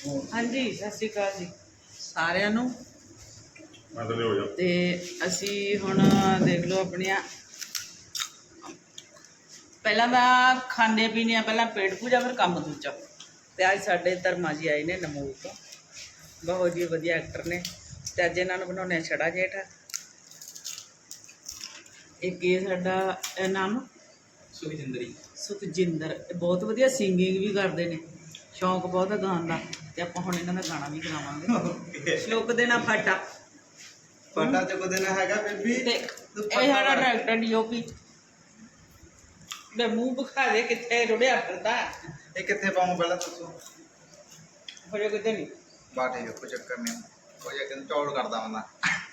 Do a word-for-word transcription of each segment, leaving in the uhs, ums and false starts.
हाँ जी सत श्री अकाल जी सारिਆਂ ਨੂੰ ਤੇ ਅਸੀਂ ਹੁਣ ਦੇਖ ਲਓ ਆਪਣੀਆਂ ਪਹਿਲਾਂ ਤਾਂ ਖਾਣੇ ਪੀਣੇ ਆ ਪਹਿਲਾਂ ਪੇਟ ਪੂਜਾ ਫਿਰ ਕੰਮ ਦੂਜਾ ਤੇ ਅੱਜ ਸਾਡੇ ਧਰਮਾ ਜੀ ਆਏ ਨੇ ਨਮੂਲ ਤੋਂ ਬਹੁਤ ਜੀ ਵਧੀਆ ਐਕਟਰ ਨੇ ਤੇ ਅੱਜ ਇਹਨਾਂ ਨੂੰ ਬਣਾਉਣੇ ਛੜਾ ਜੇਠ ਇੱਕ ਇਹ ਸਾਡਾ ਨਾਮ ਸੁਖਜਿੰਦਰੀ ਸੁਖਜਿੰਦਰ ਬਹੁਤ ਵਧੀਆ ਸਿੰਗਿੰਗ ਵੀ ਕਰਦੇ ਨੇ ਸ਼ੌਂਕ ਬਹੁਤ ਹੈ ਗਾਣ ਦਾ ਤੇ ਆਪਾਂ ਹੁਣ ਇਹਨਾਂ ਦਾ ਗਾਣਾ ਵੀ ਗਾਵਾਂਗੇ ਸ਼ਲੋਕ ਦੇਣਾ ਫਾਟਾ ਫਾਟਾ ਚੁੱਕ ਦੇਣਾ ਹੈਗਾ ਬੇਬੀ ਤੇ ਇਹ ਸਾਡਾ ਡਾਇਰੈਕਟਰ ਡੀਓਪੀ ਦੇ ਮੂੰਹ ਬਖਾ ਦੇ ਕਿੱਥੇ ਰੁੜਿਆ ਫਿਰਦਾ ਇਹ ਕਿੱਥੇ ਪਾਉਂ ਪਹਿਲਾਂ ਦੱਸੋ ਹੋ ਕਿਤੇ ਨਹੀਂ ਬਾਟੇ ਕੋਈ ਚੱਕਰ ਨਹੀਂ ਕੋਈ ਇੱਕ ਦਿਨ ਚੌੜ ਕਰਦਾ ਹੁੰਦਾ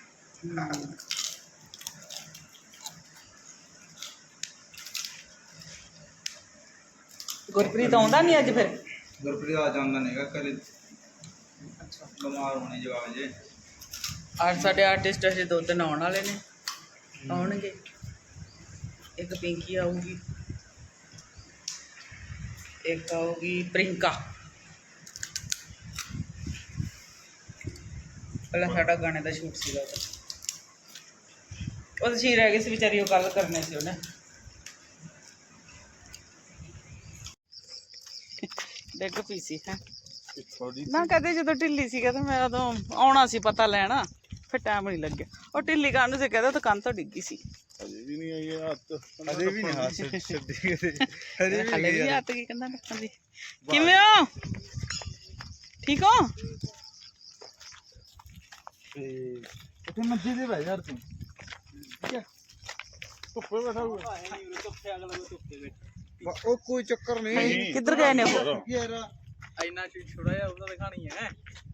ਗੁਰਪ੍ਰੀਤ ਆਉਂਦਾ ਨਹੀਂ ਅੱਜ ਫਿਰ ਗੁਰਪ੍ਰੀਤ ਆ ਜਾਂਦਾ ਨਹੀਂਗਾ ਘਰੇ ਅੱਛਾ ਬਿਮਾਰ ਹੋਣੇ ਜਵਾਬ ਜੇ ਅੱਜ ਸਾਡੇ ਆਰਟਿਸਟ ਅਜੇ ਦੋ ਤਿੰਨ ਆਉਣ ਵਾਲੇ ਨੇ ਆਉਣਗੇ ਇੱਕ ਪਿੰਕੀ ਆਊਗੀ ਇੱਕ ਆਊਗੀ ਪ੍ਰਿੰਕਾ ਪਹਿਲਾਂ ਸਾਡਾ ਗਾਣੇ ਦਾ ਸ਼ੂਟ ਸੀਗਾ ਉਹ ਸੀ ਰਹਿ ਗਈ ਸੀ ਵਿਚਾਰੀ ਉਹ ਗੱਲ ਕਰਨੇ ਸੀ ਉਹਨੇ ਡਿੱਗ ਪਈ ਸੀ ਹੈ ਨਾ ਕਹਦੇ ਜਦੋਂ ਢਿੱਲੀ ਸੀ ਕਹਿੰਦਾ ਮੈਂ ਉਦੋਂ ਆਉਣਾ ਸੀ ਪਤਾ ਲੈਣਾ ਫਿਰ ਟਾਈਮ ਨਹੀਂ ਲੱਗਿਆ ਉਹ ਢਿੱਲੀ ਕਾਹਨੂੰ ਸੀ ਕਹਿੰਦਾ ਤਾਂ ਕੰਨ ਤੋਂ ਡਿੱਗੀ ਸੀ ਅਜੇ ਵੀ ਨਹੀਂ ਆਈ ਹੱਥ ਅਜੇ ਵੀ ਨਹੀਂ ਹੱਥ ਛੱਡੀ ਕਿਤੇ ਅਜੇ ਵੀ ਹਲੇ ਵੀ ਹੱਥ ਕੀ ਕਹਿੰਦਾ ਰੱਖਣ ਦੀ ਕਿਵੇਂ ਹੋ ਠੀਕ ਹੋ ਤੇ ਉੱਥੇ ਮੱਜੀ ਦੇ ਬਹਿ ਯਾਰ ਤੂੰ ਠੀਕ ਹੈ ਧੁੱਪੇ ਬੈਠਾ ਹੋਊਗਾ ਉਹ ਕੋਈ ਚੱਕਰ ਨਹੀਂ ਕਿੱਧਰ ਗਏ ਨੇ ਉਹ ਯਾਰ ਇੰਨਾ ਚੀਜ਼ ਛੋੜਾ ਜਿਹਾ ਉਹਦਾ ਦਿਖਾਣੀ ਹੈ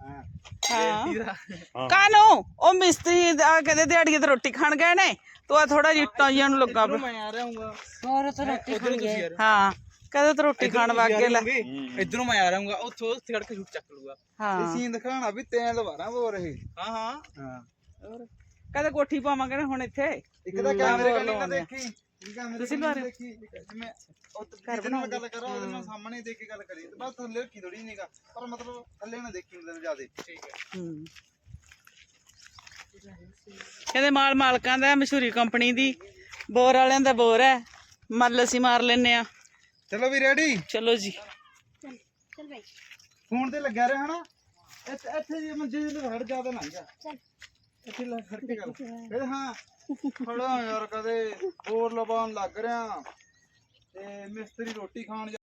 ਹਾਂ ਕਾਨੂੰ ਉਹ ਮਿਸਤਰੀ ਆ ਕਹਿੰਦੇ ਦਿਹਾੜੀਏ ਤੇ ਰੋਟੀ ਖਾਣ ਗਏ ਨੇ ਤੂੰ ਆ ਥੋੜਾ ਜਿੱਟਾਂ ਜੀਆਂ ਨੂੰ ਲੱਗਾ ਮੈਂ ਆ ਰਿਹਾ ਹੂੰਗਾ ਹੋਰ ਤਾਂ ਰੋਟੀ ਖਾਣ ਗਏ ਹਾਂ ਕਹਿੰਦੇ ਤੇ ਰੋਟੀ ਖਾਣ ਵਾਗੇ ਲੈ ਇਧਰੋਂ ਮੈਂ ਆ ਰਿਹਾ ਹੂੰਗਾ ਉੱਥੋਂ ਉੱਥੇ ਖੜ ਕੇ ਸ਼ੂਟ ਚੱਕ ਲੂਗਾ ਹਾਂ ਇਹ ਸੀਨ ਦਿਖਾਣਾ ਵੀ ਤੈਂ ਲਵਾਰਾ ਬੋ ਰਹੇ ਹਾਂ ਹਾਂ ਹਾਂ ਹੋਰ ਕਹਿੰਦੇ ਕੋਠੀ ਪਾਵਾਂਗੇ ਨਾ ਹੁਣ ਇੱਥੇ ਇੱਕ ਤਾਂ ਕੈਮਰੇ ਕੱਲ ਨਾ ਦੇਖੀ ਤੁਸੀਂ ਲਵਾ ਰਹੇ ਦੇਖੀ ਜਿਵੇਂ ਉਹ ਘਰ ਬਣਾਉਣ ਗੱਲ ਕਰੋ ਉਹਦੇ ਨਾਲ ਸਾਹਮਣੇ ਦੇਖ ਕੇ ਗੱਲ ਕਰੀ ਬਸ ਥੱਲੇ ਕੀ ਥੋੜੀ ਨਹੀਂਗਾ ਪਰ ਮਤਲਬ ਥੱਲੇ ਨਾ ਦੇਖੀ ਮਤਲਬ ਜਿਆਦੇ ਠੀਕ ਹੈ ਹੂੰ ਕਹਿੰਦੇ ਮਾਲ ਮਾਲਕਾਂ ਦਾ ਮਸ਼ਹੂਰੀ ਕੰਪਨੀ ਦੀ ਬੋਰ ਵਾਲਿਆਂ ਦਾ ਬੋਰ ਹੈ ਮੱਲ ਅਸੀਂ ਮਾਰ ਲੈਨੇ ਆ ਚਲੋ ਵੀ ਰੈਡੀ ਚਲੋ ਜੀ चल चल भाई ਫੋਨ ਤੇ ਲੱਗਿਆ ਰਿਹਾ ਹਨਾ ਇੱਥੇ ਇੱਥੇ ਜੇ ਮੰਜੇ ਦੇ ਹੜ ਜ਼ਿਆਦਾ ਨਾ ਜਾ चल ਇੱਥੇ ਲੱਗ ਖੜ ਕੇ ਗੱਲ ਫਿਰ ਹਾਂ ਖੜਾ ਯਾਰ ਕਦੇ ਬੋਰ ਲਵਾਉਣ ਲੱਗ ਰਿਹਾ ਤੇ ਮਿਸਤਰੀ ਰੋਟੀ ਖਾਣ